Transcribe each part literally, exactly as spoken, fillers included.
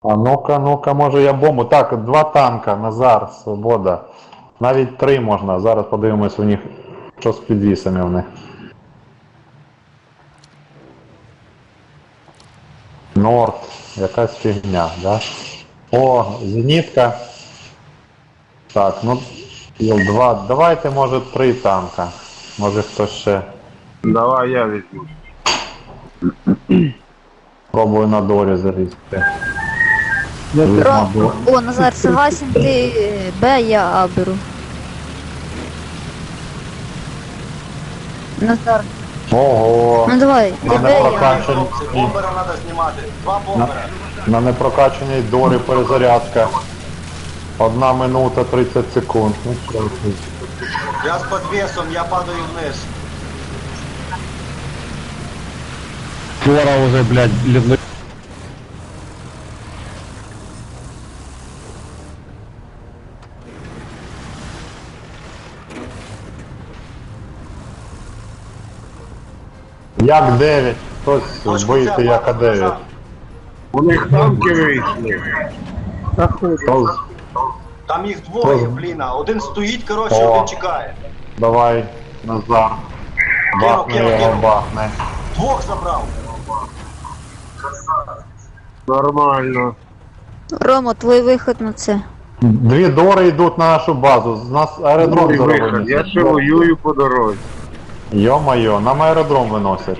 А ну-ка, ну-ка, може я бомбу. Так, два танка, Назар, Свобода. Навіть три можна. Зараз подивимось у них, що з підвісами в них. Норд, якась фігня, да? О, зенітка. Так, ну, є два. Давайте, може, три танка. Може хтось ще. Давай я візьму. Пробую на дорі залізти. Ром, о, Назар, согласен, ти Б, я А беру. Назар, Ого. ну давай, ти На Б, я А. непрокачаній, Бомбера треба знімати. Два бомбера. на непрокачаній дорі перезарядка. Одна минута тридцять секунд. Ну, що це? Я з підвесом, я падаю вниз. Скоро уже, блядь, ледве... Як дев'ять, хтось Точку бийте взяв, як А падаю дев'ять. назад. У них танки вийшли. Хто з- Там їх двоє, блін, а один стоїть, коротше, О. один чекає. Давай, Назар. Бахне кинув, його, кинув. бахне. Двох забрав. Нормально. Рома, твій вихід на це. Дві дори йдуть на нашу базу. З нас аеродром Другий вихід. зараз Я винесуть. ще воюю по дорозі. Йо-моє, нам аеродром виносять.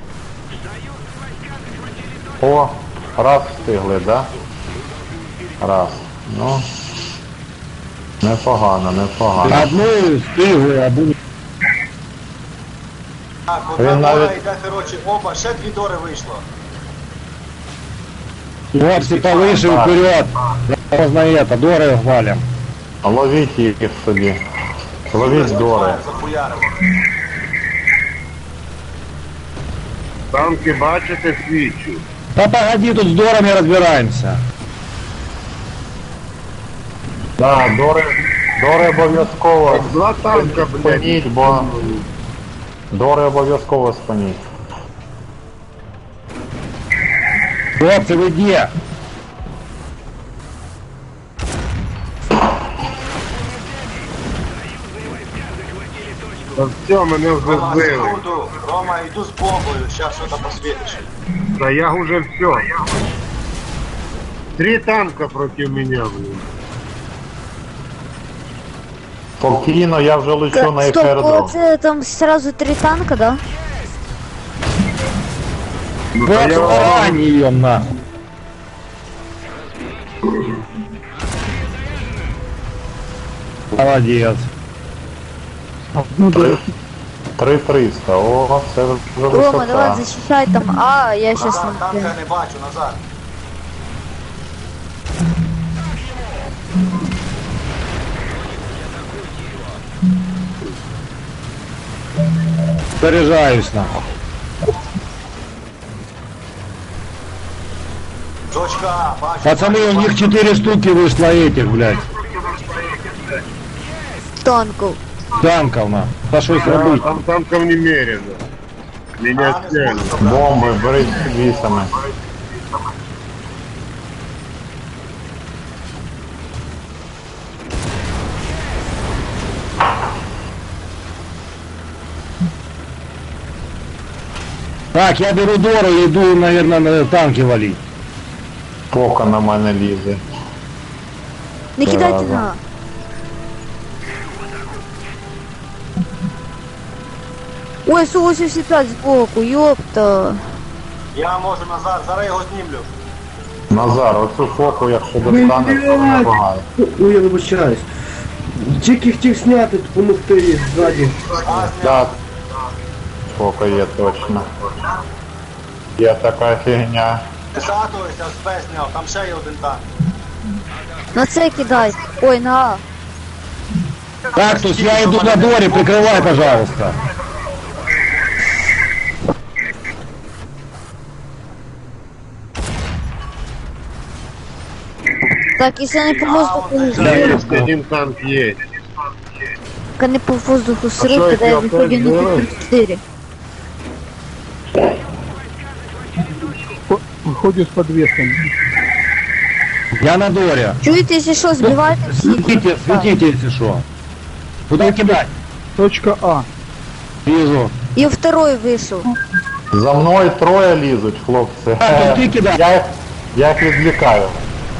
О, раз встигли, да? Раз. Ну. Непогано, непогано. Одну стигли, а буде... Так, одна Він дора навіть- йде, коротше, опа, ще дві дори вийшло. Хлопці повыше Так. вперед. Можно это, доры валим. Ловіть їх собі. Ловіть дори. Захуярило. Танки, бачите, свічу. Да погоди, тут с дорами разбираемся. Да, дори, дори обов'язково Два танка, блядь. спиніть, бо дори обов'язково спиніть. Хлопцы, вы где? Та все, мене вже Рома, збили. секунду. Рома, йду з бомбою, зараз щось посвітиш. Та я уже все. Три танка проти мене, блін. Спокійно, я вже лечу на їх Стоп, о, аеродром. це там сразу три танка, да? Ну, та Вот я вам- тарань ее нахуй. Молодец. Три- Три триста, о, це вже Рома, давай висота. защищай там А, я щас Назар, там... танка не бачу, Назар. Заряжаюсь нахуй. Точка А, бачу. Пацаны, бачу, у них бачу. четыре штуки вышло этих, блядь, танков. танков на. Да что их Я робить? там танков немерено. Меня А, не сняли. зможу забрати. Бомби, беріть з підвісами. Так, я беру Дору и иду, наверное, на танки валить. Пока на мене лізе. Не кидайте Зараза. на А. Ой, Су восемьдесят пять сбоку, ёпта. Я можу, Назар, зараз його знімлю. Назар, оцю фоку, якщо достанеш, то непогано. Ой, я вибачаюсь. Тільки хотів зняти, допомогти ззаді. А, зняв. Так. Фока є точно. Є така фігня. Десятуюся, з Б зняв, там ще є один танк. На це кидай. Ой, на А. Так, то есть я иду на Доре, прикрывай, пожалуйста. Так, если они по воздуху, Есть один танк есть. как они по воздуху что, срут, когда я если выходим на опять тридцать четыре. Виходжу з підвісом. Я на доре. Чуєте, якщо що, збивайте всіх. Светите, светите, если что. Куда кидать? Точка А. Вижу. І второй вийшов. За мною троє лізуть, хлопці. А, то ти кидай. Я їх, я їх відвлікаю.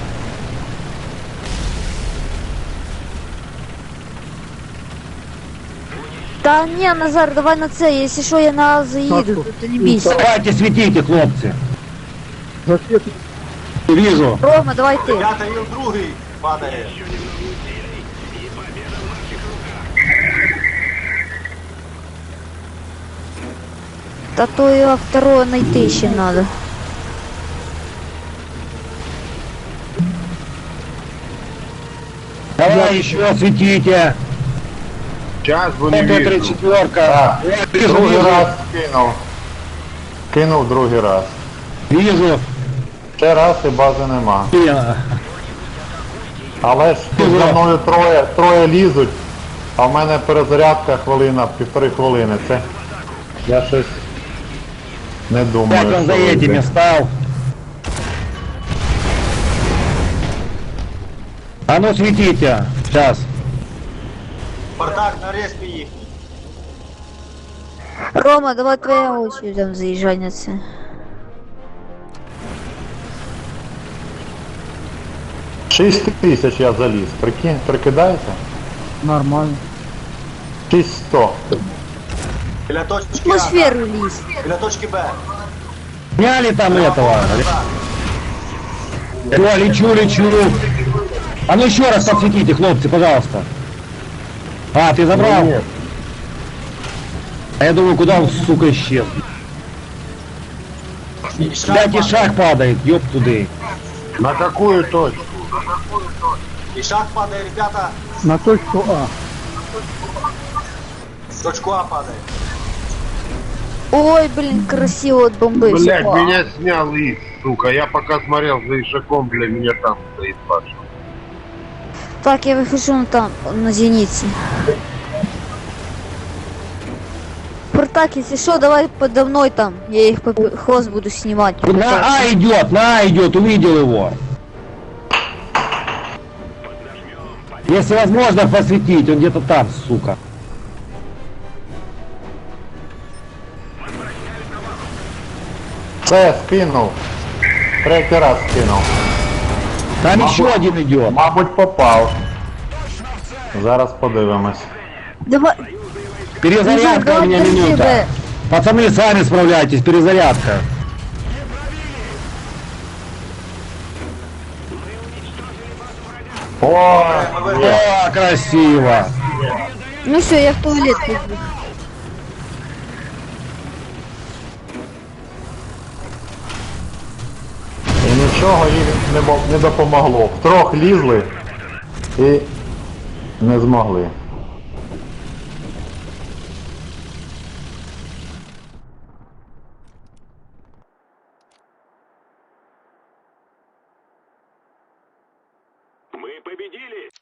Та ні, Назар, давай на це, якщо що, я на А заїду, то ти не бійся. Давайте светите, хлопцы. Ракети. Вижу. Рома, давай ти. Ребята, Іл другий падає. Та то його второго знайти ще треба. Давай еще светите. Сейчас вы не Это вижу. тридцать четыре. Так, Вижу, другий вижу. раз кинув. Кинув другий раз. Вижу. Ще раз і бази нема. Я. Але ж тут за мною троє, троє лізуть, а в мене перезарядка хвилина, півтори хвилини. Це я щось не думаю. Опять он за що вийде. этими стал. А ну светите. Сейчас. Бардак на респі їхній. Рома, давай твоя очередь там заїжджай на це. Шість тисяч я заліз. Прикинь, прикидаєте? Нормально. Шість сто. Біля точки А. Атмосферу ліз. Біля точки Б. Сняли там этого. Назад. Все, лечу, лечу. А ну еще раз подсветите, хлопцы, пожалуйста. А, ты забрал? Нет. А я думаю, куда он, сука, исчез? І шаг Блядь, и падає. шаг падает, ёб туды. На какую точку? І шаг падає, ребята. На точку А. Точку А падає. Ой, блін, красиво отбомбився. Блять, О. меня снял Ис, сука. Я пока смотрел за Ишаком, для меня там стоит Паша. Так, я вихожу на там, на зениці. Спартак, если что, давай подо мной там. Я их по хвост буду снимать. На А идет, на А идет, увидел его. Если возможно посветить, он где-то там, сука. Це скинув. Третій раз скинув. Там Мабуть- еще один идет. Мабуть, попав. Зараз подивимось. Давай, Перезарядка у давай, меня держи, минута. Б. Пацаны, сами справляйтесь, перезарядка. О, є. О, красиво. Ну все, я в туалет пойду. І нічого їм не, мо- не допомогло. Втрох лізли і не змогли. Мы победили!